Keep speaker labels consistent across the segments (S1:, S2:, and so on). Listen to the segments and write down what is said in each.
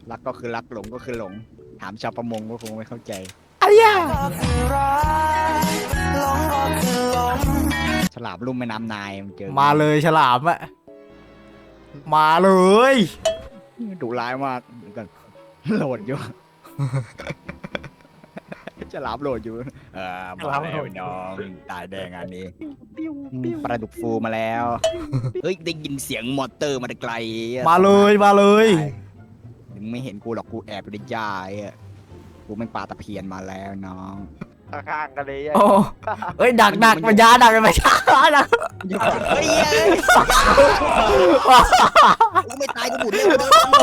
S1: รักก็คือรักหลงก็คือหลงถามชาวประมงก็คงไม่เข้าใจฉลามลุ่มแม่น้ำนายมันเจอ
S2: มาเลยฉลามอะมาเลย
S1: ดุร้ายมากกันโหลดอยู่ ฉลามโหลดอยู่มาแล้วน้องตายแดงอันนี้ปลาดุกฟูมาแล้วเฮ้ยได้ยินเสียงมอเตอร์มาแต่ไกล
S2: มาเลยมาเลย
S1: มึงไม่เห็นกูหรอกกูแอบอยู่ในหญ้ากูเป็นปลาตะเพียนมาแล้วน้อง
S3: ข้างๆกันเลย
S2: โอ้เอ้ยดักมันยาดักมันยาดัก
S1: เฮ้ยกูไม่ตายกูบุญเลย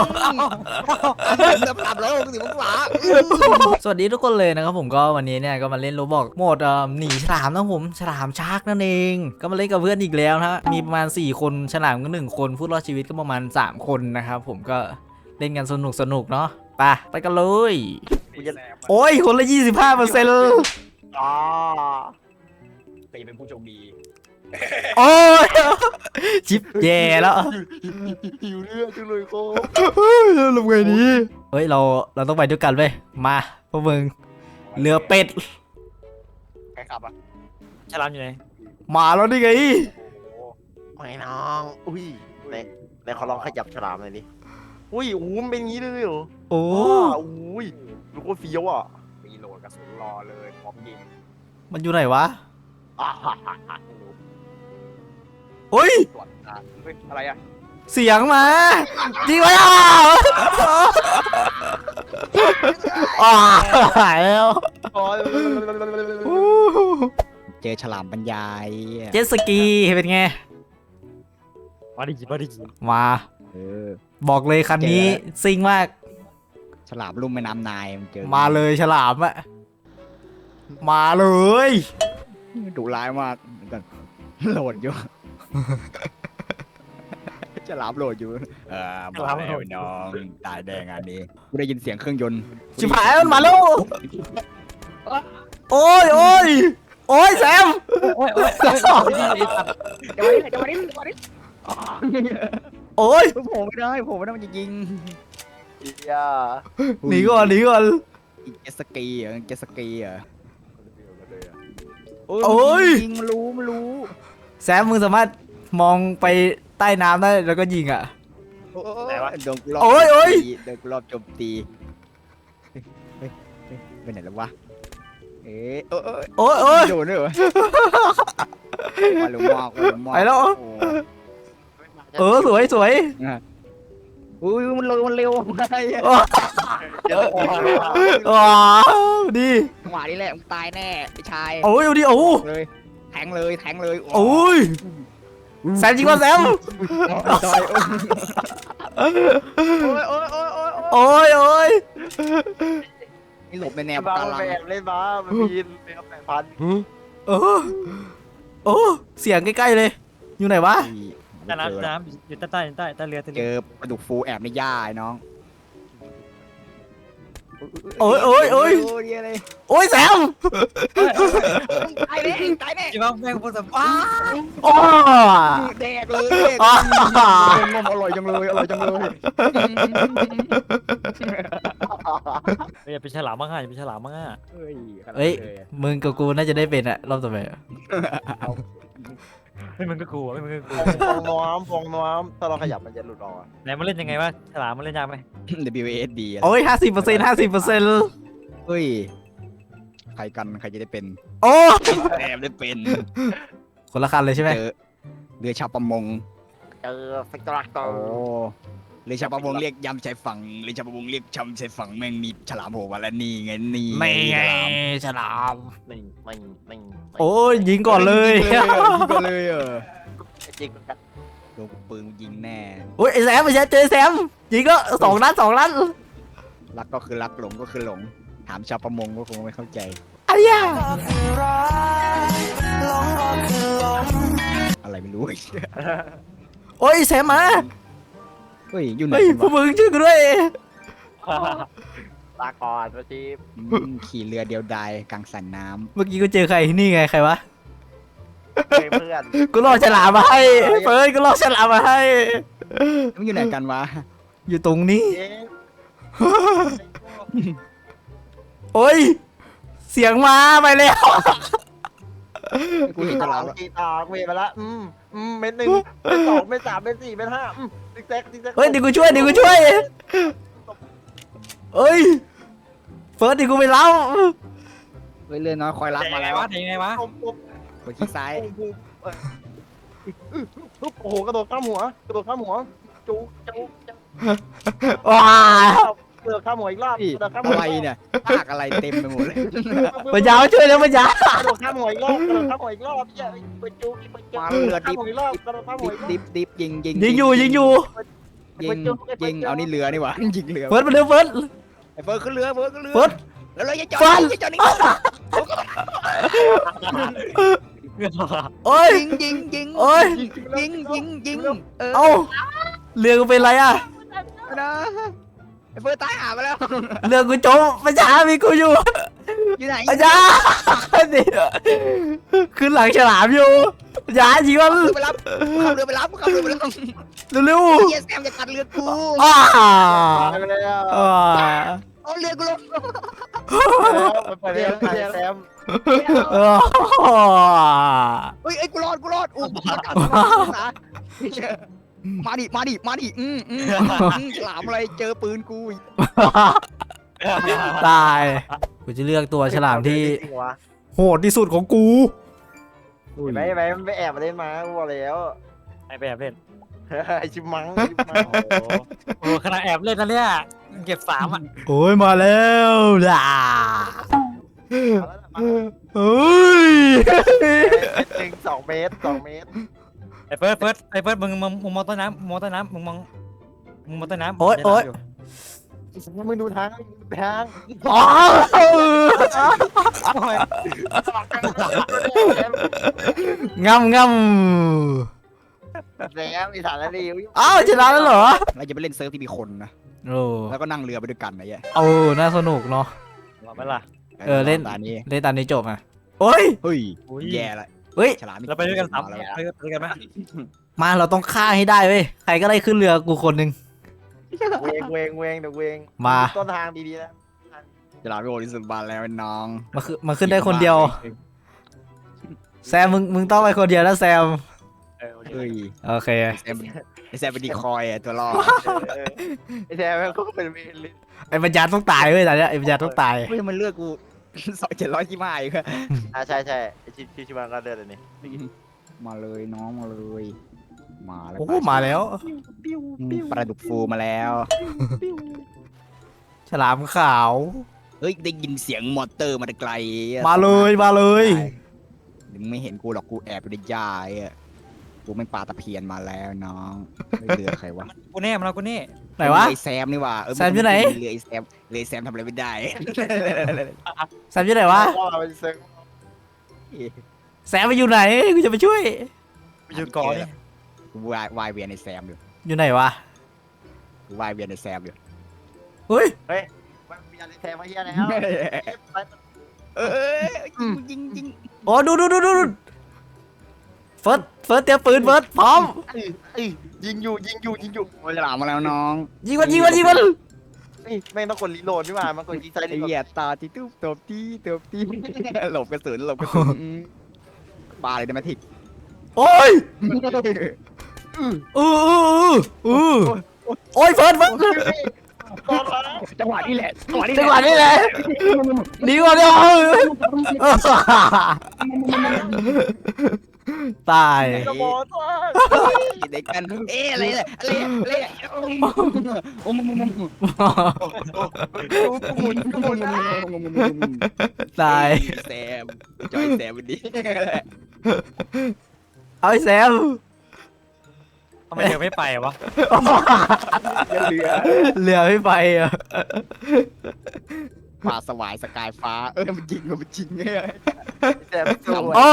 S1: เริ่มปรับแล้วสิมึงหวา
S2: สวัสดีทุกคนเลยนะครับผมก็วันนี้เนี่ยก็มาเล่นโรบล็อกโหมดหนีฉลามนะผมฉลามชาร์กนั่นเองก็มาเล่นกับเพื่อนอีกแล้วนะมีประมาณ4คนฉลามก็1คนผู้รอดชีวิตก็ประมาณ3คนนะครับผมก็เล่นกันสนุกเนาะไปกันเลยโอ้ยคนละ 25%
S3: อ๋อ
S1: ใครจะเป็นผู้โชคดี
S2: โอ้ยชิปแย่แล้ว
S3: หิวเลือดจังเลยโค้
S2: ทำไงดีเฮ้ยเราต้องไปด้วยกันเว้ยมาพวกมึงเรือเป็ด
S1: ใครขับอ่ะ
S4: ฉลามอยู่ไหน
S2: มาแล้วนี่ไง
S3: ไม่น้องอุ้ยในขอลองขยับฉลามหน่อยดิอุ้ยโอ้มันเป็นงี้เลยเหรอ
S2: โอ้
S3: อุ้ยลูกโคตรเฟี้ยวอ่ะ
S1: มีโหลดกระสุนรอเลยพร้อมยิง
S2: มันอยู่ไหนวะ
S3: อ่า
S2: เฮ้ย
S1: ตรวจอะไรอ่ะ
S2: เสียงมาจริงไหมหายแล้ว
S1: เจอฉลามบรรยาย
S2: เจ็ตสกีเป็นไง
S4: มาดิมาดิ
S2: มา
S1: เออ
S2: บอกเลยคันนี้ซิ่งมาก
S1: ฉลามลุ่มแม่น้ำนายมันเจอ
S2: มาเลยฉลามอะมาเลย
S1: ดุร้ายมากกันโหลดอยู่ ฉลามโหลดอยู่มาแล้วน้องตายแดงอันนี้กูได้ยินเสียงเครื่องยนต์
S2: ชิบหายมันมาแล้วโอ้ยแซม
S4: โอ้ย
S1: จะมาดิ
S2: โอ้ย
S1: โผล่ไม่ได้มันจะยิง
S3: อียา
S2: หนีก่อน
S1: อีกเจตสกีเหรอโอ้ยยิงมันรู้
S2: แซมมึงสามารถมองไปใต้น้ำได้แล้วก็ยิงอ่ะ
S1: โดนกูรอบ
S2: โอ้ย
S1: โดนกูรอบโจมตีเฮ้ยไปไหนแล้ววะโอ้ยโดนด้วยเหรอมาลุมมาก
S2: ไปแล้วสวย
S1: อุ้ยมันเร็วอะไร
S2: ดี
S1: หวานี่แหละมึงตายแน่ไอ้ชาย
S2: โอ้ยดิโอ้
S1: เลยแทงเลย
S2: โอ้ยแซมจริงป่ะแซมโอ้ย
S1: นี่หลบในแนว
S3: บ้า
S1: ปะการัง
S3: แบบเล่นบ้ามันมีเรือ8,000
S2: โอ้เสียงใกล้ๆเลยอยู่ไหนวะ
S4: ใต้น้ำอยู่ใต้เรือ
S1: เจอปลาดุกฟูแอบในหญ้าไอ้น้อง
S2: โอ้ยแซม
S1: ตายแน่
S4: จิบ้าแม่งพูดสัมภาษณ์
S2: โอ้
S1: แดกเลยงมอร่อยจังเลย
S4: อย่าเป็นฉลามมั้งอย่าเป็นฉลามมั้ง
S2: เฮ้ยมึงกับกูน่าจะได้เป็นอะรอบต่อไป
S4: ไม่มึงก็กลัวไม่มึงก็กลัว
S3: ฟองน้ำถ้าเราขยับมันจะหลุดออก
S4: ไหนมันเล่นยังไงวะฉลามมันเล่นยากไหม
S1: WASD
S2: โอ้ย50%
S1: เฮ้ยใครจะได้เป็น
S2: โอ้
S1: แอบได้เป็น
S2: คนละคันเลยใช่ไหม
S1: เจอเรือชาวประมง
S3: เจอเฟกตรักเตอ
S1: โอ้
S3: ร์
S1: เรือชาวประมงเรียกยำชายฝั่งเรือชาวประมงเรียกชำชายฝั่งแม่งมีฉลามโผล่มาแล้วนี่ไง
S2: ไม่ไงฉลาม
S3: ไม่
S2: โอ้ยยิงก่อนเลย
S1: ยิงก่อนเลย
S3: จริงกัน
S1: โดนปืนยิงแน่
S2: โอ้ยไอ้แซมไม่ใช่เจอแซมยิงก็2 นัด
S1: รักก็คือรักหลงก็คือหลงถามชาวประมงก็คงไม่เข้าใจ
S2: ไอ้ยา
S1: อะไรไม่รู้
S2: โอ้ยแซมมา
S1: เฮ้ยอยู่ไหน
S2: เฮ้ยพวกมึงช่วยกูด้วย
S3: ลาก่อนประชีพ
S1: ขี่เรือเดียวดายกลางสันน้
S2: เมื่อกี้กูเจอใครนี่ไงใครวะ
S3: เพื่อน
S2: กูรอฉลามมาให้เฟิร์นกูรอฉลามมาให้
S1: ำมันอยู่ไหนกันวะ
S2: อยู่ตรงนี้โอ้ยเสียงมาไปแล้ว
S1: กูเห็นฉลามแล้ว
S3: กีตาร์เวไปละเม็ดหนึ่งเม็ดสองเม็ดสามเม็ดสี่เม็ดห้าติ๊กแซกติ๊กแซก
S2: เฮ้ยเดี๋ยวกูช่วยเฮ้ยเฟิร์สเดี๋ยวกูไปเล่า
S1: เฮ้ยเลื่อนน้อยคอยรับมาแล้ว
S4: ยังไงวะ
S3: ปุ๊บ
S1: กดคลิกซ้าย
S3: โอ้โหกระโดดข้ามหัวจูจู
S2: ว้าก
S3: ระโดดข้ามหัวอีกรอบ
S1: พี่
S3: กระโดดข้าม
S1: อะ
S3: หัว
S1: ไรเนี่ยภาคอะไรเต็มไปหมดเลย
S2: ปัญญาช่วยแล้วปัญญาก
S3: ระโดดข้ามหัวอีกรอบกระโดดข้ามหัวอีกรอบเนี่ยไปจูไปจู
S1: มาเรือ
S3: ข้าม
S1: ดิบ
S3: หัวอีกรอบกระโดดข้ามหัวอีกรอบ
S1: ดิบยิง
S2: ยิงอยู่
S1: ยิงเอานี่เรือนี่หว่ายิงเรือ
S2: เฟิร์สมาเร็วเฟิร์ส
S1: ไอ้เฟิร์สขึ้นเรือเฟิร์สขึ้นเรือ
S2: เฟิร์ส
S1: แล้วเลยจะจอ
S2: เฟิร์
S1: ด
S2: ส
S1: จะจอดนี่
S2: โอ้ย
S1: ยิง
S2: โอ้ย
S1: ยิง
S2: เอ้าเรือกูเป็นไรอ่ะ
S1: นะไอ้เฟิร์สตายหาไปแล้ว
S2: เรือกูจมปัญญามีกูอยู่
S1: อยู่ไหน
S2: ปัญญาดิขึ้นหลังฉลามอยู่ปัญญายิงมัน
S1: ไปรับขับเรือไปรับ
S2: เร็ว
S1: เยสแซมจะกัดเรือกู
S2: ๆอ้า
S3: ไปแล้ว
S2: อ่า
S1: เอาเรือกูลง
S3: ไปแล้วแซม
S1: เฮ้ยไอ้กูรอดอู้มาดิฉลามอะไรเจอปืนกู
S2: ตายกูจะเลือกตัวฉลามที่
S3: จริงวะ
S2: โหดที่สุดของกู
S3: ไม่ไม่แอบมาเล่นมาวัวแล้ว
S4: ไอ้แบบเล่น
S3: ไอชิมัง
S4: โอ้ขนาดแอบเล่นนะเนี่ยเก็บ3อ่ะ
S2: โอ้ยมาแล้วล่ะเฮ้ย
S3: หนึ่ง2 เมตร
S4: ไอ้เฟิร์สมึงมองต้นน้ำมึงมองต้นน้ำ
S2: โอ๊ยโอ๊ย
S3: มึงดูทาง
S2: อ๋อ งำ
S3: แล้วมีฐานแล้วดิ
S2: อ้าวชนะแล้วเหรอ
S1: เราจะไปเล่นเซิร์ฟที่มีคนนะ
S2: โอ้
S1: แล้วก็นั่งเรือไปด้วยกันไอ้เหี้ย
S2: เอาน่าสนุกเนาะ
S4: ว่าไหมล่ะ
S2: เล่น
S1: ตอนนี้
S2: เล่นตามนี้จบอ่ะโอ้ย
S1: เฮ้ย
S4: อุ้ย
S1: แย่ละ
S2: เฮ้ย
S1: ฉลาม
S4: เราไปด้วยกัน3
S1: แล้ว
S4: ไปด้วยกันไหม
S2: มาเราต้องฆ่าให้ได้เว้ยใครก็ได้ขึ้นเรือกูคนหนึ่ง
S3: เวงเดี๋ยวเวง
S2: มา
S3: ต้นทางดีๆนะ
S1: ฉลามโง่ที่สุดบานแล้วน้อง
S2: มาขึ้นได้คนเดียว แซมมึงต้องไปคนเดียวนะแซม
S1: เฮ้ย
S2: โอเค
S1: ไอ้แซมเป็นดีคอยอ่ะตัวรอด
S3: ไอ้แซมก็เป็นเมนลิ
S2: ไอ้ปัญญาต้องตายเว้ยตอนเนี้ยไอ้ปัญญาต้องตาย
S1: เฮ้ยมันเลือกกู700ที่มาอีกอะ
S3: ใช่ไอ้ชิมังก็เดินเลยนี่
S1: มาเลยน้องมาเลยมาแล้ว
S2: โอ้โหมาแล้ว
S1: ปลาดุกฟูมาแล้ว
S2: ฉลามขาว
S1: เฮ้ยได้ยินเสียงมอเตอร์มาแต่ไกลอะ
S2: มาเลย
S1: มึงไม่เห็นกูหรอกกูแอบอยู่ในหญ้าไอ้กูไม่ปลาตะเพียนมาแล้วน้องไม่เรือใครวะ
S4: กูแน่มันเอากูแน่
S2: ไหนวะ
S1: ไอแซมนี่ว่ะ
S2: แซมอยู่ไหน
S1: เรือไอแซมทำอะไรไม่ได้
S2: แซมอยู่ไหนวะ
S3: ว่าเป็นเซิร์ฟ
S2: แซมไปอยู่ไหนกูจะไปช่วย
S4: ไปอยู่ก่อนนี่
S1: กูวายเวียนในแซมอยู่
S2: อยู่ไหนวะ
S1: กูวายเวียนในแซมอยู่
S2: เฮ้ย
S3: มันมีอะไรแซมมาเฮียแล้ว
S1: เออยิง
S2: โอ้ดูเฟิร์สเตรียมปืนเฟิร์สพร้อม
S3: ยิงอยู่
S1: โอ้ยฉลามมาแล้วน้อง
S2: ยิงมัน
S3: แม่งต้องกดรีโหลดนี่หว่ามันกดยิงใส่
S1: ไอ้
S3: รีโหล
S1: เหี้ย
S3: ด
S1: ตาที่ตุ๊บตบตีหลบกระสุนปลาเลยได้ไหมทิก
S2: โอ้ยโอ้ยเฟิร์ส
S1: จังหวะนี้แหละ
S2: จังหวะนี้แหละดีกว่าเดียวตาย
S3: กระบอกตัว
S1: เด็กกันอะไร
S3: หมุน
S2: ตาย
S1: แซมจอยแซมวันนี้
S2: เอาไอ้แซม
S4: ทำไมเธอไม่ไปวะ
S2: เหลือไม่ไปอ่ะ
S1: ปลาสวายสกายฟ้ามันจริงไง
S3: แซมสวย
S2: อ้อ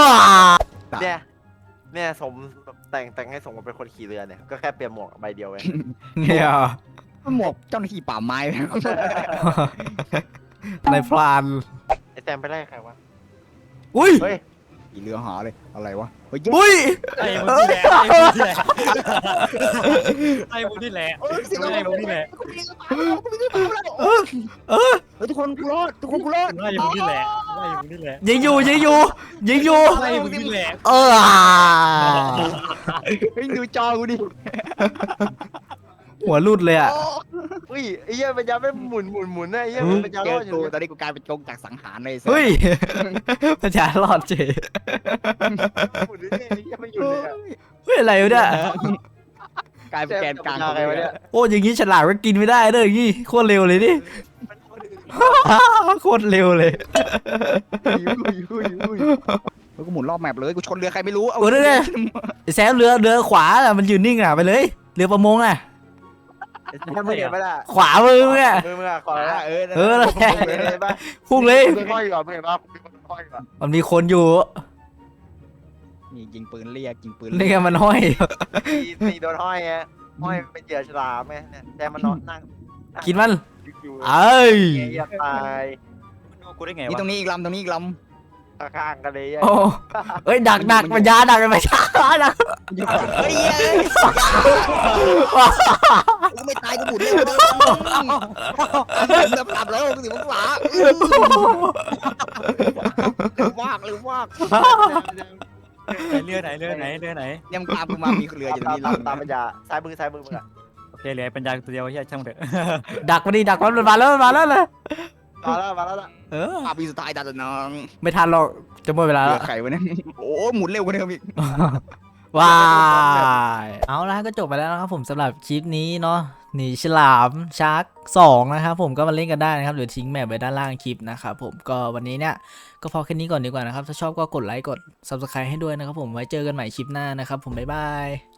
S3: เนี่ยสมแต่งให้สมกับเป็นคนขี่เรือเนี่ยก็แค่เปลี่ยนหมวกใบเดียวเอง
S2: เนี่ย
S1: หมวกเจ้าหน้าที่ป่าไม้
S2: ในพลาน
S3: ไอแซมไปไล่ใครวะ
S2: อุ้ย
S3: เฮ้ย
S1: อีเรือหาเลยอะไรวะเฮ้ย
S2: อุ้ย
S4: ไอ้มึงนี่แหละไอ้มึงนี่แหละไอ้มึงนี่แหละไอ้มึงนี่แหละ
S1: ทุกคนกูรอดทุกคนกูรอด
S4: ไอ้มึงนี่แหละไอ้มึงนี่แหละ
S2: ยิงอยู่ยิงอยู่ยิงอยู่
S4: ไอ้มึงนี่แหละ
S2: เออ
S1: เฮ้ยดูจอกูดิ
S2: หัวรุดเลยอ่ะ
S3: อุ้ยไอ้เหี้ยมันยังไม่หมุนนะไอ้เหี้ยมันยัง
S1: เจ
S3: ร
S1: อ
S3: อดอยู่
S1: กู
S3: เลย
S1: ตอนนี้กูกลายเป็นจงจากสังหารเลย
S2: เฮ้ยประชารอดเฉย
S3: หมุนเรื่อยๆไอ้เหี้ยไม่หยุดเลยอะ
S2: เฮ้ยอะไรวะเนี่ย
S1: กลายเป็นแกนกลาง
S3: อะไรวะเนี่ย
S2: โอ้อย่างงี้ฉลามก็กินไม่ได้เลยอย่างงี้โคตรเร็วเลยดิ โคตรเร็วเลย
S1: กูหมุนรอบแมปเลยกูชนเรือใครไม่รู้เอา
S2: โอ้ยเนี่ยไอ้แซมเรือขวาอะมันยืนนิ่งอ่ะไปเลยเรือประมงอ่ะ
S3: แค่ไม่เห็นไหมล่ะ
S2: ขวามือมึงอ่ะ
S3: มือมึงอะขอละ
S1: เออ
S2: เออแล้ว
S3: เห็นปะ
S2: พุ่งเลย
S3: มือค่อยก่อนมึงเห็นปะมือค่อยก่อน
S2: มันมีคนอยู่
S1: นี่ยิงปืนเรียกยิงปืน
S2: นี่ไงมันห้อย
S3: ตีโดนห้อยไงห้อยเป็นเหยื่อฉลามไงเนี่ยแต่มันนอนนั่ง
S2: กินมัน
S3: อยู่
S2: เอ้ย
S3: เงี้ยตาย
S4: กูได้ไง
S1: นี่
S4: วะ
S1: ตรงนี้อีกลำตรงนี้อีกล
S3: ข้างๆกันเลย
S2: โอ้เอ้ยดักมันยาดักมันยาดัก
S1: ำเฮ้ยกูไม่ตายกูหมุนเร็วเลยแบบกลับแล้วกูถึงขวาเร็วมากเร็วมาก
S4: เรือไหน
S1: ยังตามกูมามีเรืออยู่ตรงนี้
S3: ตามปัญญาซ้ายมือมึงอะ
S4: โอเคเหลือปัญญาตัวเดียวใช่ช่างเถอะ
S2: ดักมันดิดักมันมาแล้วเลย
S3: มาแล้วล่ะ
S2: เออ
S1: ภาพปีสุดท้ายตาตะน้อง
S2: ไม่ทันหรอกจะหมดเวลา
S1: เรื
S2: แล้ว
S1: อไข่วะเนี่ยโอ้หมุนเร็วกว่าเดิมอีก
S2: ว้ายเอาละก็จบไปแล้วนะครับผมสำหรับคลิปนี้เนาะหนีฉลามชาร์ก2นะครับผมก็มาเล่นกันได้นะครับหรือทิ้งแมปไว้ด้านล่างคลิปนะครับผมก็วันนี้เนี่ยก็พอแค่นี้ก่อนดีกว่านะครับถ้าชอบก็กดไลค์กด Subscribe ให้ด้วยนะครับผมไว้เจอกันใหม่คลิปหน้านะครับผมบ๊ายบาย